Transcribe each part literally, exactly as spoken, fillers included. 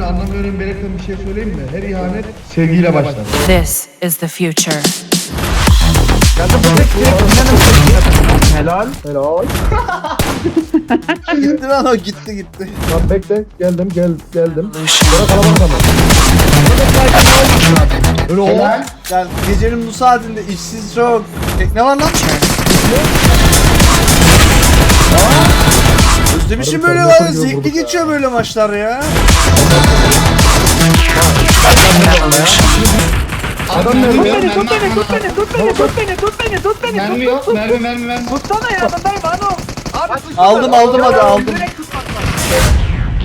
ihanetin anlamıyorum belirten bir şey söyleyeyim mi? Her ihanet sevgiyle başlar. This is the future. Helal. Helal. Gitti lan o gitti gitti. Lan bekle geldim gel geldim. Revolution. Sonra kalabalık ama. Böyle o. Helal. Gel gecenin bu saatinde işsiz çok. Tekne var lan. Özlemişim böyle var. Zevkli geçiyor böyle maçlar ya. Adam nerede? Tut beni, tut beni, tut beni, tut beni, tut beni, tut beni. Mermi yok, mermi mermi mermi. Tutsana yanındayım hanım. Abi tutsana. Aldım aldım hadi aldım. Direkt tutmak lazım.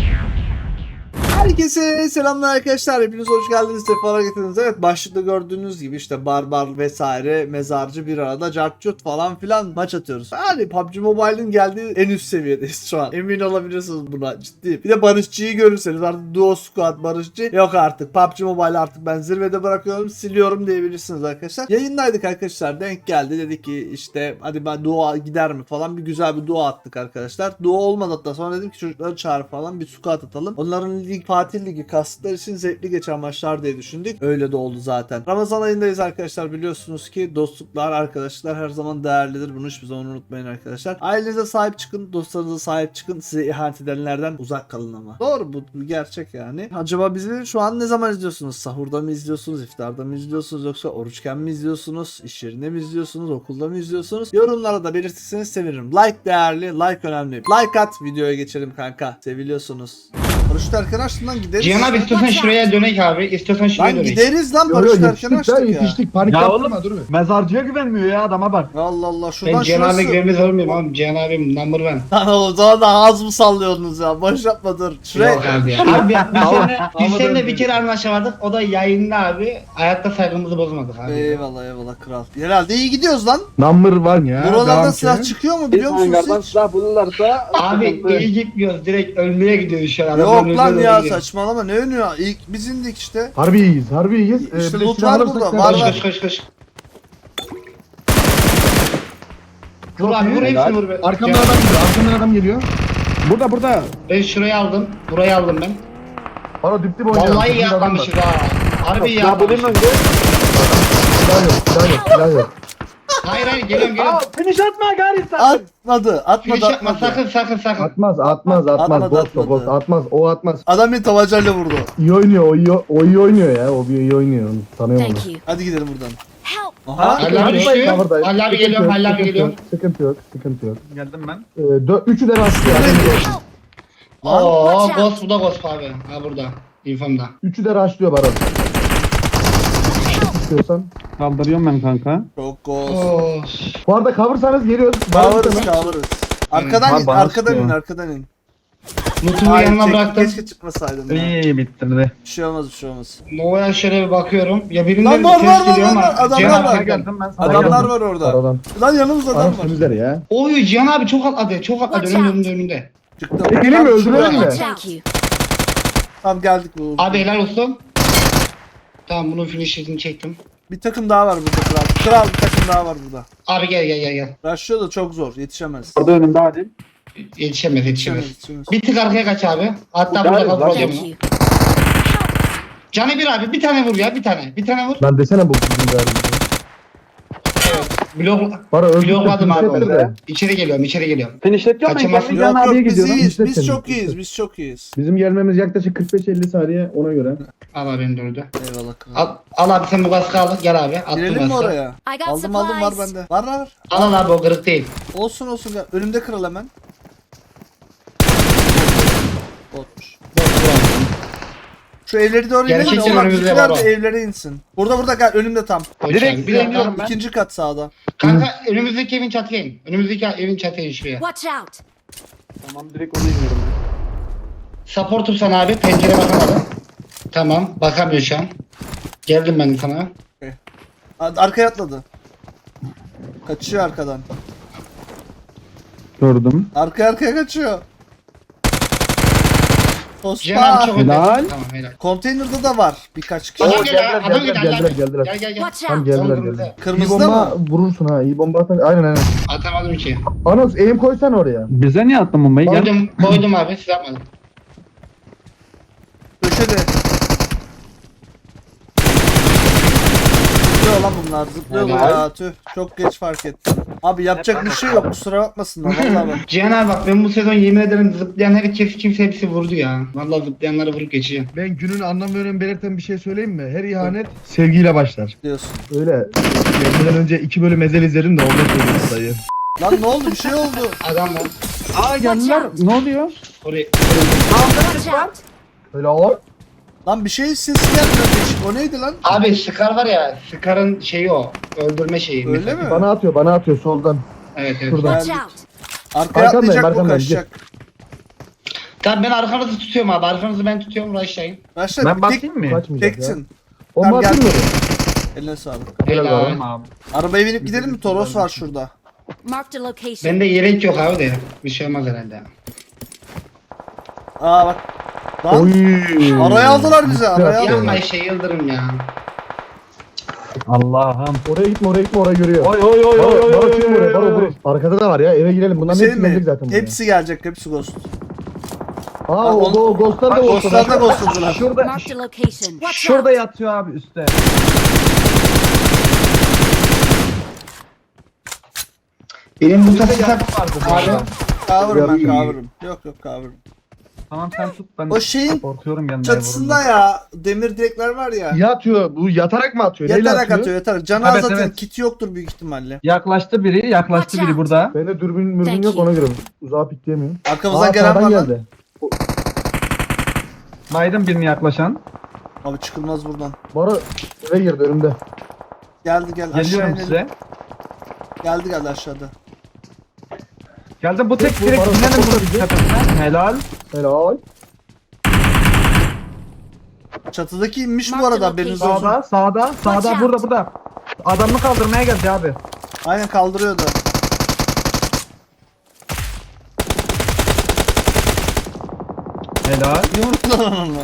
Herkese selamlar arkadaşlar. Hepiniz hoş geldiniz. Sefalar getirdiniz. Evet, başlıkta gördüğünüz gibi işte barbar vesaire mezarcı bir arada cartcut falan filan maç atıyoruz. Yani P U B G Mobile'in geldiği en üst seviyedeyiz şu an. Emin olabilirsiniz buna, ciddi. Bir de Barışçı'yı görürseniz artık Duo Squad Barışçı yok artık. P U B G Mobile artık ben zirvede bırakıyorum, siliyorum diyebilirsiniz arkadaşlar. Yayındaydık arkadaşlar, denk geldi, dedik ki işte hadi ben Duo gider mi falan, bir güzel bir Duo attık arkadaşlar. Duo olmadı, hatta sonra dedim ki çocukları çağır falan, bir squad atalım. Onların lig Fatih Ligi kastıkları için zevkli geçen maçlar diye düşündük. Öyle de oldu zaten. Ramazan ayındayız arkadaşlar, biliyorsunuz ki dostluklar, arkadaşlar her zaman değerlidir. Bunu hiçbir zaman unutmayın arkadaşlar. Ailenize sahip çıkın, dostlarınıza sahip çıkın. Size ihanet edenlerden uzak kalın ama. Doğru, bu bir gerçek yani. Acaba bizi şu an ne zaman izliyorsunuz? Sahurda mı izliyorsunuz? İftarda mı izliyorsunuz? Yoksa oruçken mi izliyorsunuz? İş yerinde mi izliyorsunuz? Okulda mı izliyorsunuz? Yorumlara da belirtirseniz sevinirim. Like değerli, like önemli. Like at, videoya geçelim kanka. Seviliyorsunuz. Barış Terken açtım lan, gideriz. Cihan abi istiyorsan şuraya dönek abi. İstiyorsan şuraya Lan dönek. gideriz lan, Yo, yo, Barış Terken yetiştik ya açtık ya. yetiştik. Panik Ya yaptırma oğlum, dur bir. mezarcıya güvenmiyor ya, adama bak. Allah Allah, şuradan Ben Cihan abi şurası. güvenmez olmayayım abi. Cihan abim number one. Lan o zaman da ağız mı sallıyorsunuz ya? Boş yapma, dur. Şuraya. Yok abi ya. Abi ya, biz seninle, biz seninle bir kere anlaşamadık. O da yayında abi. Hayatta saygımızı bozmadık abi. Eyvallah eyvallah kral. Herhalde iyi gidiyoruz lan. Number one ya. Buralarda devam silah ki. çıkıyor mu biliyor musunuz hiç? silah bulurlarsa Abi iyi gitmiyoruz. Direkt ölmeye gidiyoruz şu an. Yok Adamların lan üzerine ya, gidiyor. saçmalama, ne önü ya? İlk biz indik işte. Harbi iyiyiz harbi iyiyiz. Ee, İşte bir de loot silah var alırsak burada, sen- var, Koş var. koş koş koş. Vur abi vur hepsini vur. be. Arkamdan Cihan- adam geliyor. Arkamdan adam geliyor. burada burada. Ben şurayı aldım. Burayı aldım ben. Bana dip dip oynayalım. Vallahi iyi Bizim adam var. atlamışız ha. Harbi iyi Ya bulayım atlamışız. önce. Silah yok silah yok silah yok. Hayır hayır geliyorum Aa, geliyorum. finish atma gari sen. Atmadı, atmadı, Finish yapma atmadı. sakın sakın sakın. Atmaz atmaz atmaz. Atmadı, Ghost o atmadı. ghost atmaz o atmaz. Adam bir tabancayla vurdu. İyi oynuyor o iyi, o iyi oynuyor ya. O bir iyi oynuyor. Onu tanıyorum onu. Thank you. Hadi gidelim buradan. Help. Aha. Halil abi düştü. Cover'dayım. Halil abi Sıkıntı geliyorum. yok, Halil abi sıkıntı geliyorum. yok, Sıkıntı yok sıkıntı yok. Geldim ben. Ee, dö- üçü de rastlıyor. Lan. Oo Watch out. ghost bu da ghost abi. Ha burada. İnfamda. Üçü de rastlıyor Baran. İstiyorsan. Kaldırıyorum ben kanka. Çok gol. Oo. Bu arada coversanız geliyoruz. Baran Kavuruz sana. kavuruz. Arkadan Ha, in, bana arkadan sıkıyor. in, arkadan in. Mutumu Hayır, yanına çek- bıraktım. keşke çıkmasaydın ya. İyi bitirdi. Bir şey olmaz, bir şey olmaz. Nova'ya şöyle bir bakıyorum. Ya birinden Lan bir var, ses var, var, geliyor ama. var, adamlar Cihan var. abi geldi. Geldim ben sana. Adamlar geldim. var orada. Aradan. Lan yanımızda adam Anam var. temizler ya. Oy Cihan abi çok atladı. Çok atladı. Watch Önümde out. önümde önümde. Çıktım. E, gelin mi, Tam öldürelim şuraya. mi? Thank you. Tamam geldik bu. Abi helal olsun. Tamam bunun finishini çektim. Bir takım daha var burada kral. Kral bir takım daha var burada. Abi gel gel gel gel. Rushlıyor da çok zor, yetişemez. Orada önümde hadi. Yetişemez yetişemez. Yetişemez, yetişemez. Bir tık arkaya kaç abi. Hatta Gel, burada kal lan. hocam. Thank you. Canı bir abi bir tane vur ya bir tane. Bir tane vur. Lan desene bu bizim derdimiz. Blok, Bana öldürdü. blokladım abi onu. de. İçeri geliyorum içeri geliyorum. Finishleteceğim ben Kaçamazsın. kendi Yok Can yok, abiye biz gidiyorum. iyiyiz, İzle biz seni, çok izle. iyiyiz, biz çok iyiyiz. Bizim gelmemiz yaklaşık kırk beş elli saniye ona göre. Al abi beni de öldü. Eyvallah kral. Al, al abi sen bu kaskı al. Gel abi. Attım Girelim mi kaskı. oraya? I got Aldım aldım, var supplies. bende. Var var var. Al al abi o kırık değil. Olsun olsun, gel. Önümde kral hemen. Botmuş. Şu evleri doğru inelim de Gerçekten onlar önümüzde bizimkiler var de o. evlere insin. Burada burada gel, önümde tam. Koş Direkt abi, bir dakika. iniyorum ben. İkinci kat sağda. Kanka önümüzdeki evin çatıya in. Önümüzdeki evin çatıya in şuraya. Watch out. Tamam direkt onu iniyorum. Supportum sana abi. Pencere bakamadım. Tamam. Bakamıyor şu an. Geldim ben sana. Ad- Arkaya atladı. Kaçıyor arkadan. Gördüm. Arkaya arkaya kaçıyor. Cihan abi Tospa. çok önde. Helal. Tamam helal. Konteynerde de var birkaç kişi. Adam Oo, geldi, geldiler, adam geldi, geldiler, geldi. geldiler. Gel gel gel. Watch Tam out. geldiler Oğlum, geldiler. güzel. İyi Kırmızıda bomba mı? vurursun ha. İyi bomba atan. Aynen aynen. Atamadım ki. Anos aim koysan oraya. Bize niye attın bombayı? Gel. Koydum, koydum abi siz yapmadın. köşede. Zıplıyor lan bunlar zıplıyorlar Helal. ya tüh. Çok geç fark ettim. Abi yapacak bir şey yok kusura bakmasınlar vallahi bak. Cihan abi bak ben bu sezon yemin ederim zıplayan herkes kimse hepsi vurdu ya. Vallahi zıplayanları vurup geçeceğim. Ben günün anlam ve önem belirten bir şey söyleyeyim mi? Her ihanet sevgiyle başlar. Diyorsun. Öyle. Gelmeden önce iki bölüm ezel izledim de ondan söyleyeyim dayı. Lan ne oldu bir şey oldu. Adam var. Aa geldiler. Ne oluyor? Oraya. Watch out! Öyle o. Lan bir şey ses gelmiyor değişik o neydi lan? Abi Scar var ya. Scar'ın şeyi o. Öldürme şeyi. Öyle mesela. mi? Bana atıyor, bana atıyor soldan. Evet evet. Şuradan. Watch out! Arkaya Arkandayım, atlayacak bu arkandayım, kaçacak. Tamam ben arkanızı tutuyorum abi. Arkanızı ben tutuyorum. Rush'layın. Başla Ben tek, bakayım mı? Kaçmayacak ya. teksin. Bomba Tamam, atayım gel. mı? Eline sağlık. Helal Helal. var. Tamam abi. Arabaya binip gidelim mi? Toros var şurada. Marked a location. Bende yelek yok abi de. Bir şey olmaz herhalde. Aa bak. Lan Oy. araya aldılar bizi araya aldılar. Yapma şey Yıldırım ya. Allah'ım. Oraya gitme, oraya gitme, orayı görüyor. Oy oy oy Baro, oy oy Baro oy çık oy buraya, Baro oy. buraya. Arkada da var ya, eve girelim. Bunların Şey hepsi gelecek mi? zaten buraya. Hepsi gelecek, hepsi ghost. Aa, o, onu- o Ghost'lar da Bak, Ghost'lar. Ghost'lar da ghostladılar. Şurada Marked a location. Watch şurada out! yatıyor abi üstte. Benim bu Şurada takı yakın vardı bu Abi. arada. Kavurum ben Yok. kavurum. Yok yok kavurum. Tamam sen tut ben O şeyin korkuyorum gelmeye çatısında ya demir direkler var ya. Ya atıyor, bu yatarak mı atıyor? Neyle Yatarak atıyor? atıyor yatarak. Canı Evet, az zaten evet. kiti yoktur büyük ihtimalle. Yaklaştı biri, yaklaştı Watch biri out. burada. Bende dürbün mürbün Thank yok, you. ona göre uzağa pikleyemiyorum. Arkamızdan Aa, gelen sağdan var lan. geldi. Biden birini yaklaşan. Abi çıkılmaz buradan. Baro eve girdi önümde. Geldi gel aşağı Geliyorum inelim. size. Geldi geldi aşağıda. Geldi bu tek Bu direkt bana binelim support bunun edecek. tepesine. Helal. Helal. Çatıdaki inmiş bu Marked arada location. haberiniz olsun. Sağda, sağda, sağda out. burada burada. Adamını kaldırmaya geldi abi. Aynen kaldırıyordu. Helal. Yumruklar onu.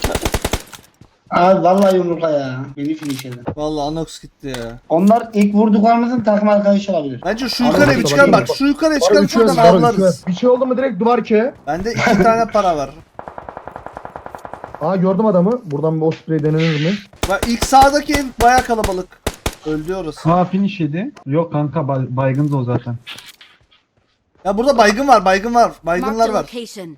Abi vallahi yumrukla ya. Beni finish edin. Vallahi Anox gitti ya. Onlar ilk vurduklarımızın takım arkadaşı olabilir. Bence şu Abi yukarıya bir bak, çıkar bak, bak. Şu yukarıya Baro çıkarıp üçü ver, oradan Baro üçü ver. avlarız. Bir şey oldu mu direkt duvar ke. Bende iki tane para var. Aa, gördüm adamı. Buradan bir o sprey denenir mi? Bak ilk sağdaki ev baya kalabalık. Öldü orası. Ha finish yedi. Yok kanka bay, baygındı o zaten. Ya burada baygın var, baygın var. Marked Baygınlar a var. location.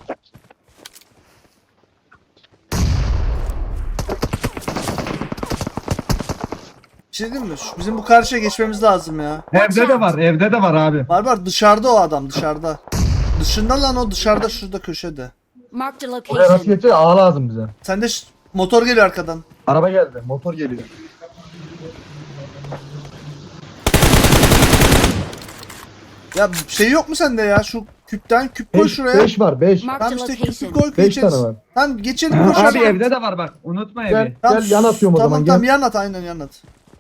Bir şey diyeyim mi? Şu- Bizim bu karşıya geçmemiz lazım ya. Evde de var, evde de var abi. Var var dışarıda o adam dışarıda. Dışında lan o dışarıda şurada köşede. Marked a Oraya nasıl location. geçecek? Ağa lazım bize. Sende ş- motor geliyor arkadan. Araba geldi. Motor geliyor. Ya şey yok mu sende ya? Şu küpten küp koy beş, şuraya. beş var beş. Marked Tamam a işte küpü location. koy Beş geçeriz. tane var. Tamam geçelim koş. Abi evde de var bak. Unutma Gel, evi. Tamam, gel yan atıyorum o tamam, zaman. Tamam Gel. yan at aynen yan at.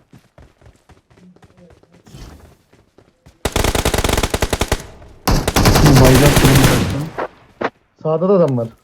Sağda da adam var.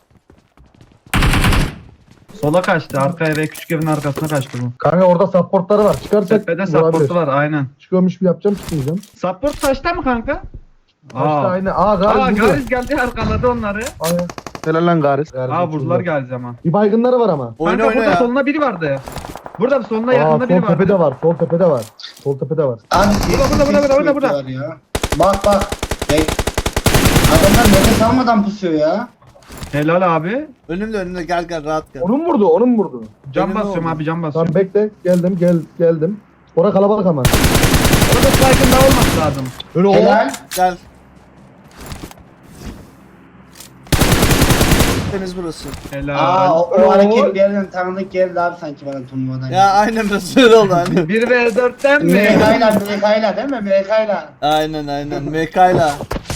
Sola kaçtı. Arka eve küçük evin arkasına kaçtı bu. Kanka orada supportları var. Çıkarsak Tepede supportu var aynen. Çıkıyormuş gibi yapacağım, çıkmayacağım. Support taşta mı kanka? Başta Aa. aynı. Aa, Aa Garis burada. Gariz geldi arkaladı onları. Aynen. Helal lan Garis. Aa vurdular Gariz ama. Bir baygınları var ama. Oyna Kanka oyna burada ya. soluna biri vardı. Burada soluna Aa, yakında biri sol tepede vardı. var. Sol tepede var. Sol tepede var. Abi Burada, burada, burada, burada, burada. var ya. Bak bak. Bek. Adamlar nefes almadan pusuyor ya. Helal abi. Önümde önümde gel gel rahat gel. Onun mu vurdu? Onun mu vurdu? Cam Önünde basıyorum oldu. abi cam Tamam basıyorum. bekle. Geldim gel geldim. Ora kalabalık ama. Orada spike'ın daha olması lazım. Öyle o. Helal. Gel. Temiz burası. Helal. Aa o, o hareket bir yerden tanıdık geldi abi sanki bana turnuvadan. Ya aynen biraz öyle oldu hani. bir ve dörtten mi? Mekayla Mekayla değil mi? Mekayla. Aynen aynen Mekayla.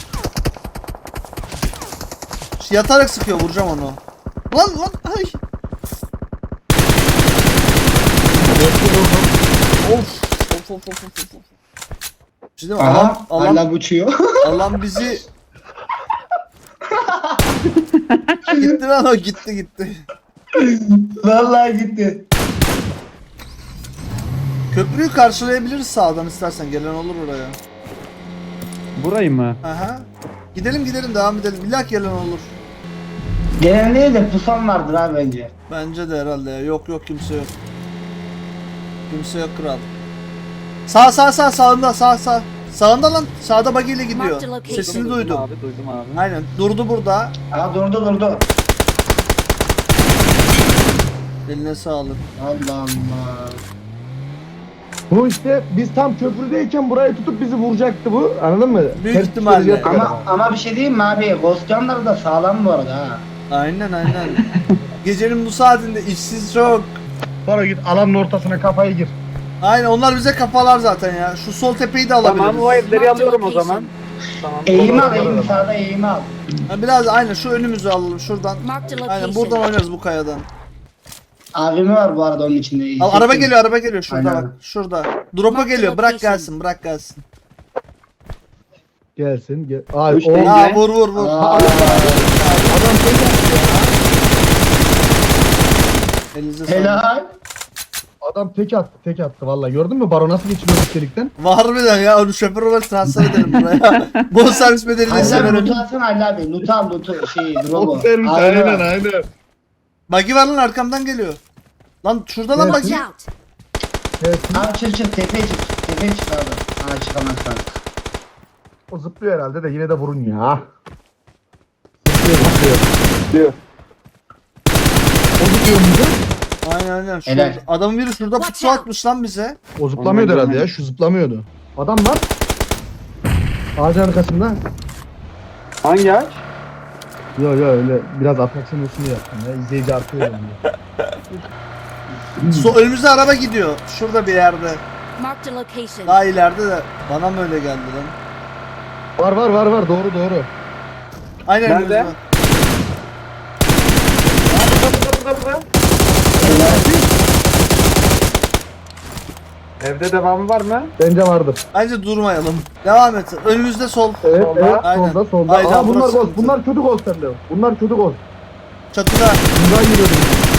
Yatarak sıkıyor vuracağım onu. Lan lan ay. Of. Of of of of of. Bir şey diyeyim mi? Aha. Alan, alan, Hala uçuyor. alan bizi... gitti lan o gitti gitti. Vallahi gitti. Köprüyü karşılayabiliriz sağdan istersen gelen olur oraya. Burayı mı? Aha. Gidelim gidelim devam edelim. İlla ki gelen olur. Gelen değil de pusan vardır abi bence. Bence de herhalde ya. Yok yok kimse yok. Kimse yok kral. Sağ sağ sağ sağında sağ sağ. Sağında lan. Sağda buggy ile gidiyor. Mark the location. Sesini duydum. Abi duydum abi. Aynen. Durdu burada. Aa durdu durdu. Eline sağlık. Allah Allah. Bu işte biz tam köprüdeyken burayı tutup bizi vuracaktı bu. Anladın mı? Büyük Ters ihtimalle. psikolojik yapıyor Ama ama bir şey diyeyim mi abi? Ghost Gun'lar da sağlam bu arada ha. Aynen aynen. Gecenin bu saatinde işsiz çok. Sonra git alanın ortasına kafayı gir. Aynen onlar bize kafalar zaten ya. Şu sol tepeyi de alabiliriz. Tamam o evleri Mark the alıyorum o location. zaman. Tamam. Eğimi al Olur, olur, eğimi olur. sağda eğimi al. Ha, biraz aynen şu önümüzü alalım şuradan. Mark the Aynen location. buradan oynarız bu kayadan. Abimi var bu arada onun içinde. Al, araba geliyor araba geliyor şurada Aynen. bak. Şurada. Drop'a Mark the geliyor. Bırak location. gelsin bırak gelsin. Gelsin. Gel. Ay Üç o değil. Aa vur vur vur. Aa, adam tek attı ya. Elinize sağlık. helal. Adam tek attı, tek attı vallahi. Gördün mü Baro nasıl geçiriyor üstelikten? Harbiden ya onu şoför olarak transfer edelim buraya. Bu servis bedeli de Halil abi severim. loot'u alsana Halil abi. Loot'u al loot'u şey drop'u. servis Abi aynen var. aynen. Buggy var lan arkamdan geliyor. Lan şurada lan Evet. buggy. Watch out. Gelsin. Abi çık çık tepeye çık. Tepeye çık abi. Aa çıkamazsan. O zıplıyor herhalde de yine de vurun ya. Zıplıyor zıplıyor. Diyor. O zıplıyor muydu? Aynen aynen. Şurada. Helal. Adamın biri şurada Watch pusu out. atmış lan bize. O zıplamıyordu Ondan herhalde ya. Şu zıplamıyordu. Adam var. Ağacın arkasında. Hangi ağaç? Yo yo öyle biraz atraksiyon olsun diye yaptım ya. İzleyici artıyor yani. So önümüzde araba gidiyor. Şurada bir yerde. Mark the location. Daha ileride de. Bana mı öyle geldi lan? Var var var var doğru doğru. Aynen Nerede? önümüzde. Evde devamı var mı? Bence vardır. Bence durmayalım. Devam et. Önümüzde sol. Evet Solda. evet Aynen. solda solda. Aynen, Aa bunlar burası gol. sıkıntı. Bunlar kötü gol sende. Bunlar kötü gol. Çatıda. Bundan giriyordum.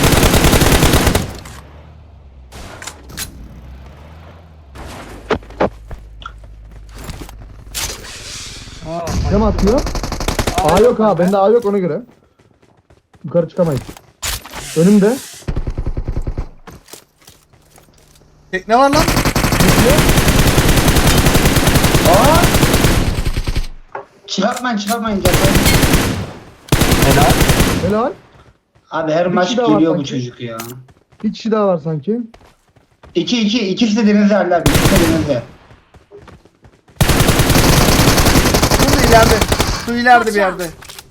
Kim atıyor? A yok ha. Bende A yok ona göre. Yukarı çıkamayız. Önümde. Tekne var lan. Aa! Çıkartmayın çıkartmayın zaten. Helal. Helal. Abi her Bir maç kişi daha var geliyor bu sanki. çocuk ya. Bir kişi daha var sanki. İki iki ikisi de denizde Halil abi. İkisi de denizde. Şurada ileride. Şu ileride bir yerde.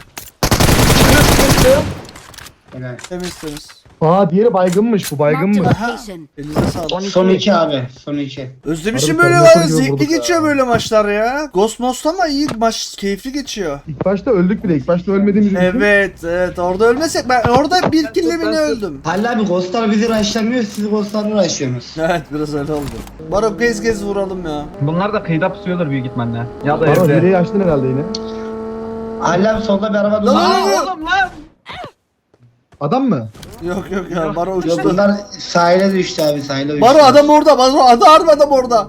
Helal. Temiz temiz. Aa diğeri baygınmış bu Mark the baygınmış. location. Elinize sağlık. Son iki abi. Son iki. Özlemişim Harbi böyle sarı var. sarı Zevkli vurduk geçiyor ya. böyle maçlar ya. Ghost Most ama iyi maç. Keyifli geçiyor. İlk başta öldük bile. İlk başta ölmediğimiz için. Evet evet orada ölmesek ben orada bir kille bile öldüm. Halil abi Ghostlar bizi raşlamıyor. Siz Ghostlar'ı raşlıyorsunuz. Evet biraz öyle oldu. Baro gez gez vuralım ya. Bunlar da kıyıda pusuyordur büyük ihtimalle. Ya da Baro evde. hileyi açtın herhalde yine. Halil abi solda bir araba Lan duruyor. lan lan. Oğlum lan! Adam mı? Yok yok ya Baro Yok uçtu. bunlar sahile düştü abi sahile düştü. Baro adam orada. Baro adam harbi adam orada.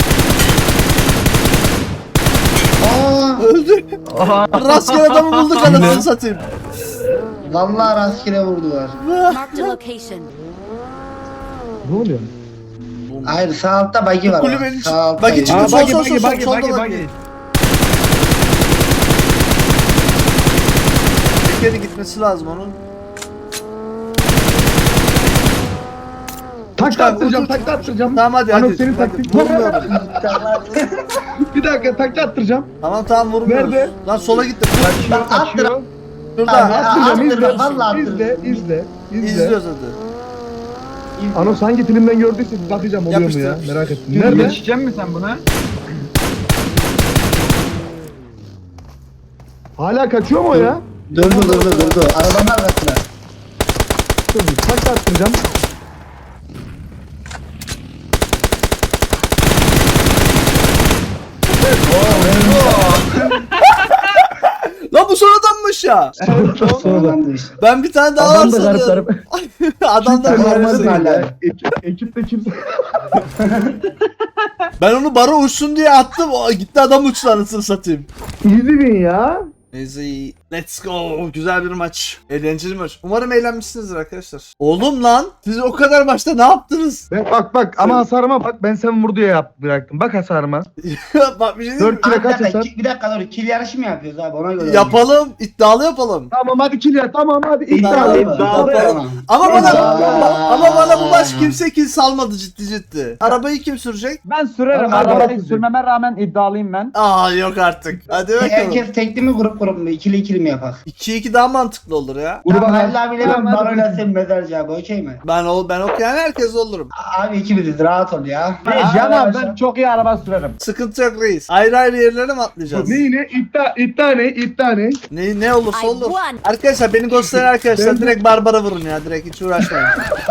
Aa, Öldü. Rastgele adamı bulduk anasını satayım. vallahi rastgele vurdular. Mark the location. Ne oluyor? Hayır sağ altta buggy var. Kulübenin Sağ içi- altta buggy buggy. çıktı. Aa, Sol, buggy, sol, buggy, sol, buggy, solda buggy, buggy. buggy. Bir kere gitmesi lazım onun. Takla Uçak, attıracağım, uçak. takla attıracağım. Tamam hadi Anam hadi. senin Hadi. taktik. Vurmuyorum. Bir dakika takla attıracağım. Tamam tamam vurmuyoruz. Nerede? Lan sola gitti. Lan attır. Açıyor. Şurada. Abi, Attıracağım attırma, izle. vallahi İzle, attırma. izle, izle. İzliyoruz hadi. Anos hangi filmden gördüyse bakacağım oluyor mu ya? Yapıştır. Merak ettim. Nerede? Geçecek misin sen buna? Hala kaçıyor mu o ya? Durdu durdu durdu. Arabanın arkasına. Dur bir takla attıracağım. Lan bu son adammış ya. Sonra da. Adamdı işte. Ben bir tane daha var Adam da garip sanıyorum. garip. Adam da Kimse garip. normal değil Hala. ya. Ekip, ekipte kimse. Ben onu bara uçsun diye attım. O gitti adam uçtu anasını satayım. Easy win ya. Neyse iyi. Let's go. Güzel bir maç. Eğlenceli maç. Umarım eğlenmişsinizdir arkadaşlar. Oğlum lan. Siz o kadar maçta ne yaptınız? Ben, bak bak ama hasarıma bak, ben sen vur diye yap, bıraktım. Bak hasarıma. Bak bir şey diyeyim mi? dört kilo Abi, bir kaç dakika, hasar? ki- bir dakika dur. Kill yarışı mı yapıyoruz abi ona göre? Yapalım. iddialı yapalım. Tamam hadi kill ya, tamam hadi İddialı iddia. mı? İddialı. Tamam. Ama bana Aa. ama bana bu maç kimse kill salmadı ciddi ciddi. Arabayı kim sürecek? Ben sürerim. Hadi Arabayı bakalım. sürmeme rağmen iddialıyım ben. Aa yok artık. Hadi bakalım. Herkes tekli mi grup grup mu? İkili ikili mi yapak? iki iki daha mantıklı olur ya. Gruba Tamam bak. Halil abiyle Tamam, ben hadi. baroyla sen mezarcı abi okey mi? Ben ol ben okuyan herkes olurum. Abi ikimiziz rahat ol ya. Hey, Can abi ben çok iyi araba sürerim. Sıkıntı yok reis. Ayrı ayrı yerlere mi atlayacağız? Ne ne iddia iddia ne iddia ne? Ne ne olursa I olur. won. Arkadaşlar beni gösteren arkadaşlar Ben- direkt Barbara vurun ya. Direkt hiç uğraşmayın.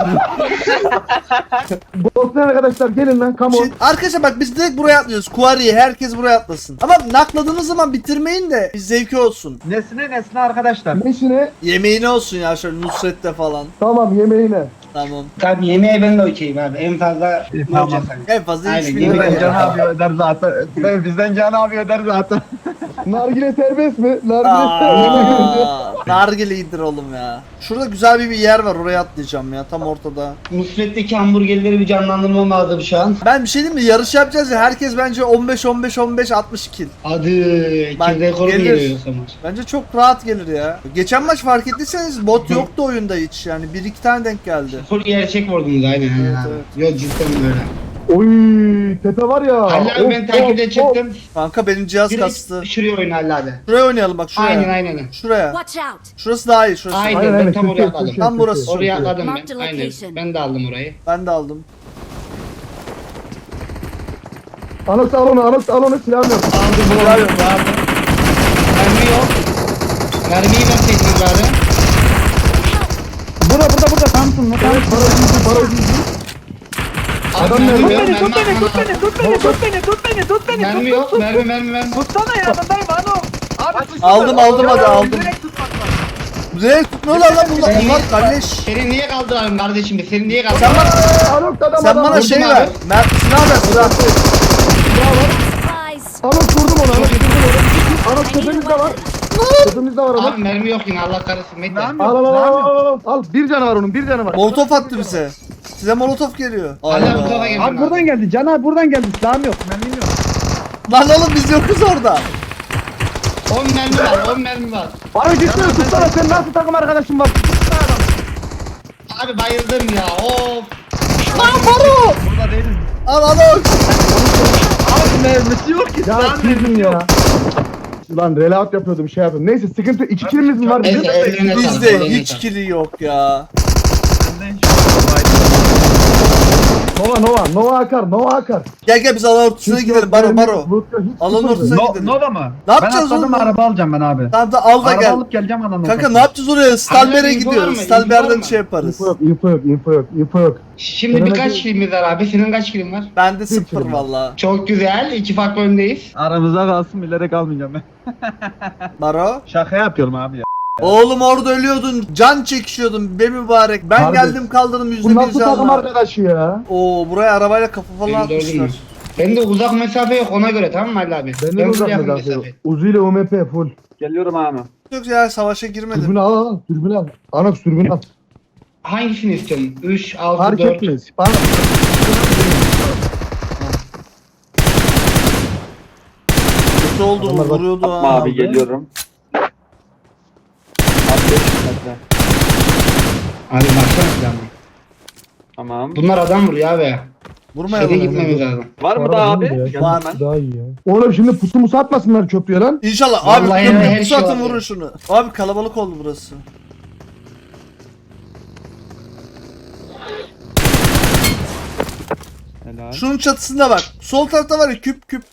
Bosna arkadaşlar gelin lan, come on. Şimdi, arkadaşlar bak biz direkt buraya atlıyoruz. Kuariye herkes buraya atlasın. Ama nakladığınız zaman bitirmeyin de bir zevki olsun. Nesine nesine arkadaşlar. Meşine Yemeğine olsun ya şöyle Nusret'te falan. tamam yemeğine. Tamam. Tabii yemeğe ben de okeyim abi. En fazla ne tamam. olacak hani? En fazla Aynen, üç bin yemek lira. Bizden ya. Can abi öder zaten. Ben- Bizden Can abi öder zaten. Nargile serbest mi? Nargile serbest mi? Aa, nargile iyidir oğlum ya. Şurada güzel bir, bir yer var oraya atlayacağım ya tam ortada. Nusret'teki hamburgerleri bir canlandırmam lazım şu an. Ben bir şey diyeyim mi? Yarış yapacağız ya herkes bence on beş on beş on beş altmış kill. Adı Bak, kill rekoru gelir. geliyor o zaman. Bence çok rahat gelir ya. Geçen maç fark ettiyseniz bot yoktu oyunda hiç yani bir iki tane denk geldi. Full gerçek vurdunuz aynen. Evet, abi. evet. Yok cidden böyle. Oy tepe var ya. Halil abi Of, ben takipte of, çıktım. Kanka benim cihaz kastı. Direkt şuraya oyna Halil abi. Şuraya oynayalım bak şuraya. Aynen aynen. Şuraya. Watch out. Şurası daha iyi şurası. Aynen. Aynen ben aynen. tam oraya Türkiye, atladım. Türkiye, Tam burası. Türkiye. Oraya atladım Mark the ben. Aynen. location. Ben de aldım orayı. Ben de aldım. Anox al onu, Anox al onu, silahım yok. Aldım bu Bravo. vardı. Mermi yok. Mermiyi ben seçtim bari. Burada burada burada Samsun ne Evet, para yüzü, para yüzü. Abi Adam mermi nerede? yok. Tut beni Mermi tut beni yok. tut beni tut beni tut beni tut beni Mermi tut yok. tut Mermi mermi mermi. Tutsana yanındayım Ano. Abi tutsana. Aldım, aldım, hadi, Ya, aldım. direkt tutmak lazım. Direkt tutmuyorlar lan bunlar. Seni- Bunlar kardeş. Seni niye kaldıralım kardeşim? Seni niye Sen kaldıralım? bana, Anox adam sen adam. bana vurdum şey abi. ver. Mert silah ver silah. Supplies. Anox vurdum onu, Anox vurdum onu. Anox tepemizde var. Tepemizde var Anox. Abi mermi yok yine Allah kahretsin. Mete. Mermi Al al al al al al. Al bir canı var onun, bir canı var. Molotof attı bize. Size molotof geliyor. Hala Allah. bu tarafa geldim Abi buradan geldi Can abi buradan geldi. Silahım yok. Mermim yok. Lan oğlum biz yokuz orada. on mermi var. on mermi var. Abi gitsene tutsana, sen nasıl takım arkadaşın var? Abi bayıldım ya. Of. Lan Baro. Burada değilim. Al al al. Abi mermisi yok ki. Ya silahım sizin yok. ya. Ulan reload yapıyordum, şey yapıyordum. Neyse sıkıntı, iki killimiz mi var bizim? Neyse eline sağlık. Bizde eline hiç sağlık. kili yok ya. Benden şu Nova Nova, Nova akar, Nova akar. Gel gel biz alan ortasına gidelim Baro Baro. Alan ortasına No, gidelim. Nova mı? Ne yapacağız ben atladım oğlum? araba alacağım ben abi. Tamam da al da Araba gel. alıp geleceğim adamın Kanka ne yapacağız oraya? Stalber'e info var gidiyoruz. mı? Stalber'den İnfo var şey mı? yaparız. Info yok, info yok, info yok, info yok. Şimdi Senin birkaç acı- kilimiz var abi. Senin kaç kilin var? Bende sıfır kilim. valla. Çok güzel. İki farklı öndeyiz. Aramızda kalsın bilerek almayacağım ben. Baro. Şaka yapıyorum abi ya. Oğlum orada ölüyordun. Can çekişiyordun be mübarek. Ben Harbi. geldim kaldırdım yüzde Bu bir nasıl takım canla. arkadaşı ya? Oo buraya arabayla kafa falan Benim de atmışlar. öyle Benim de uzak mesafe yok ona göre tamam mı Ali abi? Bende de full uzak yakın mesafe yok. Uzi ile U M P full. Geliyorum abi. Yok ya savaşa girmedim. Dürbünü al al, dürbünü al. Anox dürbünü al. Hangisini istiyorsun? üç, altı, Fark dört. etmez. Bana Kötü oldu Adamlar bak- vuruyordu ha. Abi geliyorum. Abi beş metre. Abi baksana silahına. Tamam. Bunlar adam vuruyor abi. Vurmayalım. Şöyle gitmemiz lazım. Var mı Para daha değil abi? ya. Gel Var. hemen. daha iyi ya. Oğlum şimdi pusu musu atmasınlar köprüye lan. İnşallah abi Vallahi köprü her pusu şey atın var vurun ya. şunu. Abi kalabalık oldu burası. Helal. Şunun çatısında bak. Sol tarafta var ya küp küp.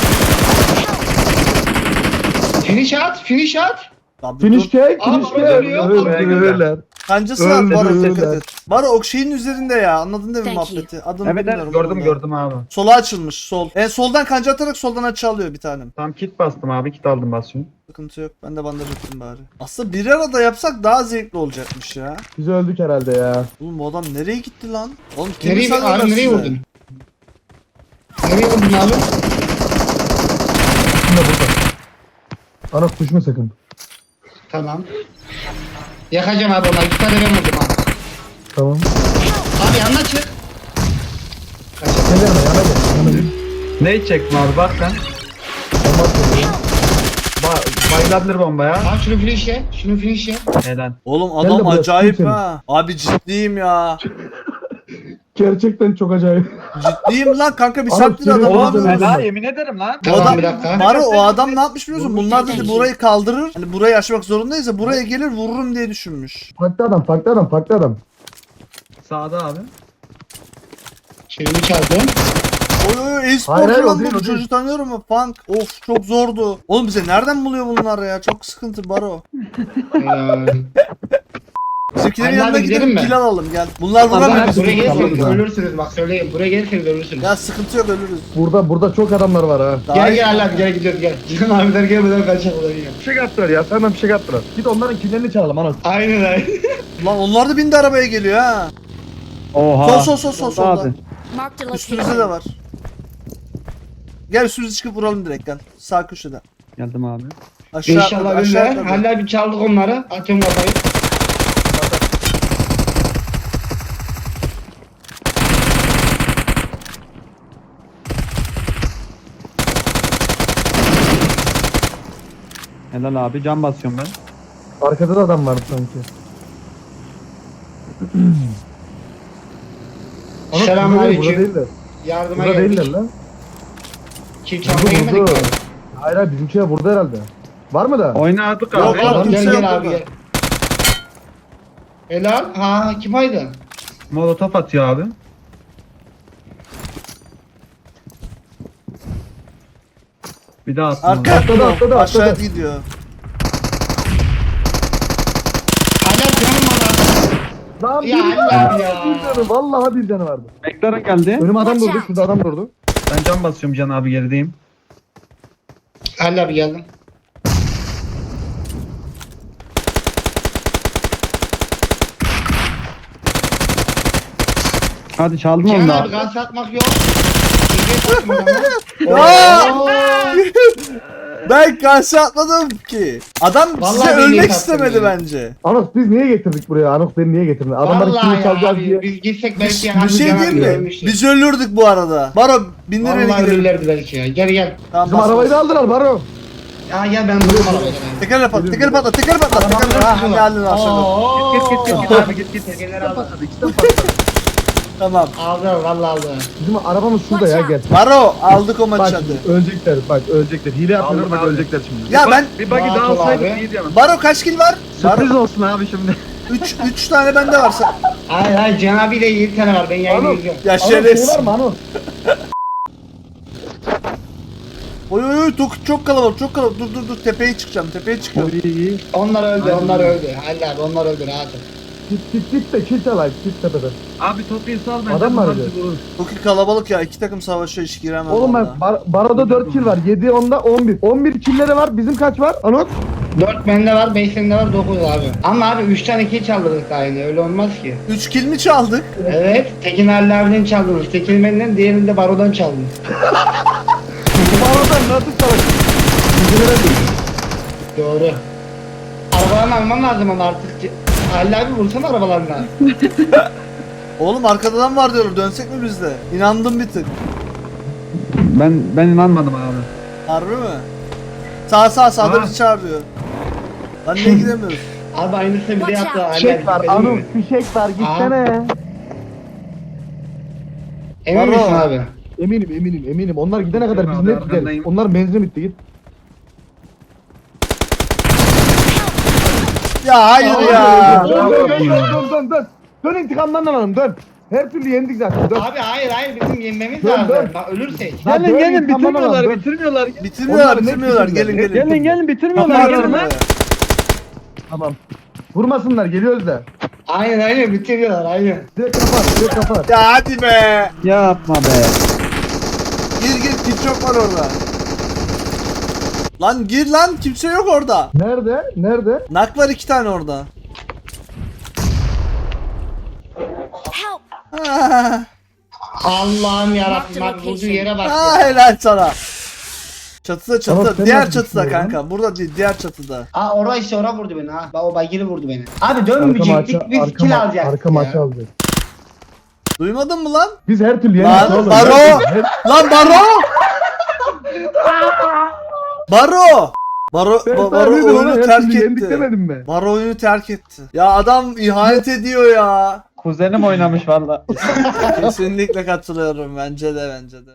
Finish at, finish at. Abi Finish dur. cake, Aa, finish baba cake. geliyor, Öyle, baba geliyor. öyle. Kancası var Baro Öldürürler. dikkat et. Baro o şeyin üzerinde ya anladın değil mi Thank you. muhabbeti? Adını Evet evet bilmiyorum gördüm vallahi. gördüm abi. Sola açılmış sol. En soldan kanca atarak soldan açı alıyor bir tanem. Tam kit bastım abi kit aldım basıyorum. Sıkıntı yok. Ben de bandaj ettim bari. Aslında bir arada yapsak daha zevkli olacakmış ya. Biz öldük herhalde ya. Oğlum bu adam nereye gitti lan? Oğlum kimi Nereye, sanıyorlar abi, nereye size? vurdun? Nereye vurdun abi? Şimdi burada. Anox düşme sakın. Tamam. Yakacağım abi ona. İki tane ben vurdum abi. Tamam. Abi yanına çık. Kaçak. Gel yanıma yana gel. Yana gel. Ne içeceksin abi bak sen. Bomba atıyorum. Ba bayılabilir bomba ya. Abi şunu finish'e. Şunu finish'e. Helal. Oğlum Gel de adam buraya, acayip tutayım ha. Abi ciddiyim ya. Gerçekten çok acayip. Ciddiyim lan kanka bir Abi, saattir seni adamı oğlum yapıyoruz. ben- Helal yemin ederim lan. O Tamam adam, bir dakika. Baro o adam ne yapmış biliyorsun? Bunlar dedi Vurmuş. burayı kaldırır. Hani burayı aşmak zorundayız ya buraya gelir vururum diye düşünmüş. Farklı adam, farklı adam, farklı adam. Sağda abi. Şunu çaldım. Oy oy oy Hayır, e-sporcu hayır, o lan değil, bu o değil. çocuğu tanıyorum mu? Funk. Of çok zordu. Oğlum bize nereden buluyor bunlar ya? Çok sıkıntı Baro. Ee, Bizimkilerin Hadi yanına abi, gidelim gidelim mi? kill alalım gel. Bunlar vuramıyor Abi bizi. buraya gelirseniz Tamam. ölürsünüz bak söyleyeyim. Buraya gelirseniz ölürsünüz. Ya sıkıntı yok ölürüz. Burada burada çok adamlar var ha. Daha Gel iyi. gel Allah gel gidiyoruz gel. Cihan abiler gelmeden kaçalım ulan ya. Bir şey kattılar ya, senden bir şey kattılar. Git onların killerini çalalım ana. Aynen aynen. Lan onlar da bindi arabaya geliyor ha. Oha. Sol sol sol sol solda. Abi. Marked a Üstümüzde de location. var. Gel üstümüze çıkıp vuralım direkt gel. Sağ köşede. Geldim abi. Aşağı İnşallah atladı, aşağı öyle. atladı. Hala bir çaldık onları. Atıyorum kafayı. Helal abi can basıyorum ben. Arkada da adam vardı sanki. Ana, Selamünaleyküm. Burada değiller. Yardıma Burada değiller geldik. lan. Kim Burada çalmaya gelmedik burada. mi? Hayır hayır bizimkiler burada herhalde. Var mı da? Oynadık Yok abi. abi. Tamam kimse gel yok gel abi burada. gel. Helal. Ha kim aydı? Molotof atıyor abi. Bir daha attım. Arka onu. Atladı, atladı, atladı, aşağıya atladı. gidiyor. Hala canım bana. Lan Ya bir Allah canı, ya. bir canı, vallahi bir canı vardı. McLaren geldi. Önüme adam Watch durdu, out. şurada adam durdu. Ben can basıyorum Can abi gerideyim. Hala abi geldim. Hadi çaldın Cihan onu da abi abi. gaz atmak yok. İlgiye tutma adamı. Aa! Oo. Ben karşı atmadım ki. Adam Vallahi size ben ölmek niye istemedi taktım ya? bence. Anos biz niye getirdik buraya? Anos beni niye getirdin? Adamların Vallahi kimi ya çalacağız abi diye. biz gitsek belki Bir, abi bir şey Cihan abi diyeyim mi? ölmüştü. Biz ölürdük bu arada. Baro bindir beni Vallahi gidelim. ölürlerdi belki ya. Gel gel. Tamam, Bizim bas, arabayı bas. da aldılar Baro. Ya gel ben vurdum arabayı. Teker patla, teker patla, teker patla, teker patla. Ha, ne halin aşağıda. Oo. Git git git git abi git git. Tekerleri aldı. İkisinden patladı. Tamam. Aldı vallahi aldı. Bizim arabamız şurada ya gel. Baro aldık o Bak maçı hadi. ölecekler bak ölecekler. Hile yapıyorlar Aldım bak abi. ölecekler şimdi. Ya Bir ben bak- bir buggy Rahat daha ol alsaydık abi. iyiydi ama. Baro kaç kill var? Sürpriz Baro olsun abi şimdi. üç üç tane bende var. Sen- Hayır hayır Cihan abiyle yedi tane var. Ben yayını Anam. izliyorum. Ya Anos şey şerefsiz. var mı Anos? Oy oy oy çok, çok kalabalık, çok kalabalık. Dur dur dur tepeye çıkacağım, tepeye çıkıyorum. İyi iyi. Onlar öldü, Aynen onlar öyle. öldü. Halil abi onlar öldü rahat ol. Git git git de kill çalayım. Git tepeden. Abi topu sal ben. Adam var ya. Çok iyi kalabalık ya. İki takım savaşıyor hiç giremem. Oğlum vallahi. ben bar, Baro'da dört kill var. yedi onda on bir. on bir killleri var. Bizim kaç var? Anos? dört bende var, beş sende var, dokuz abi. Ama abi üç tane kill çaldırdık daha yine öyle olmaz ki. üç kill mi çaldık? Evet, Tekin Halil abiden çaldınız. Tekin benden, diğerini de Baro'dan çaldınız. Baro'dan nasıl çalayım? Bizimlere değil. Doğru. Arabalarını almam lazım ama artık. Halil abi vursana arabalarına. Oğlum arkadan var diyorlar. Dönsek mi biz de? İnandım bir tık. Ben ben inanmadım abi. Harbi mi? Sağ sağ sağda Ha. bizi çağırıyor. Lan niye gidemiyoruz? Abi aynısını bir de yaptı Halil abi. Fişek var. dikkat edin Anos mi? fişek var. Gitsene. Emin Baro. misin abi? Eminim eminim eminim. Onlar gidene kadar biz Abi, net gideriz. arkandayım. Onlar benzin bitti git. Ya hayır ya. Dön dön dön dön dön dön dön. Dön intikamdan alalım dön. Her türlü yendik zaten dön. Abi hayır hayır bizim yenmemiz Dön, lazım. dön. Bak ölürsek. Lan Gelin dön, gelin intikamdan bitirmiyorlar alalım, dön. bitirmiyorlar. Bitirmiyorlar Onlar net bitirmiyorlar. bitirdiler, Gelin net gelin. Gelin gelin bitirmiyorlar. Kapat Gelin gelin lan. buraya. Tamam. Vurmasınlar geliyoruz da. Aynen aynen bitiriyorlar aynen. Direkt kapat direkt kapat. Ya hadi be. Yapma be. Gir gir kim çok var orada. Lan gir lan kimse yok orada. Nerede? Nerede? Nak var iki tane orada. Help! Ah, Allah'ım yarabbim bak vurduğu yere bak ah ya. helal sana. Çatıda Tamam, çatıda. sen Diğer nasıl çatıda düşünüyorsun kanka. Burada değil, diğer çatıda. Aa orası işte ora vurdu beni ha. Bak o baygili vurdu beni. Abi Arka dönmeyecektik maça, biz arka, kill ma- alacaktık arka ya. maçı alacağız. Duymadın mı lan? Biz her türlü Lan, yendik oğlum. Baro! Her- Lan Baro! Baro! Baro, Ben ba- sana Baro dedim ona, oyunu her terk türlü yendik etti. demedim mi? Baro oyunu terk etti. Ya adam ihanet ediyor ya. Kuzenim oynamış valla. Kesinlikle katılıyorum bence de bence de.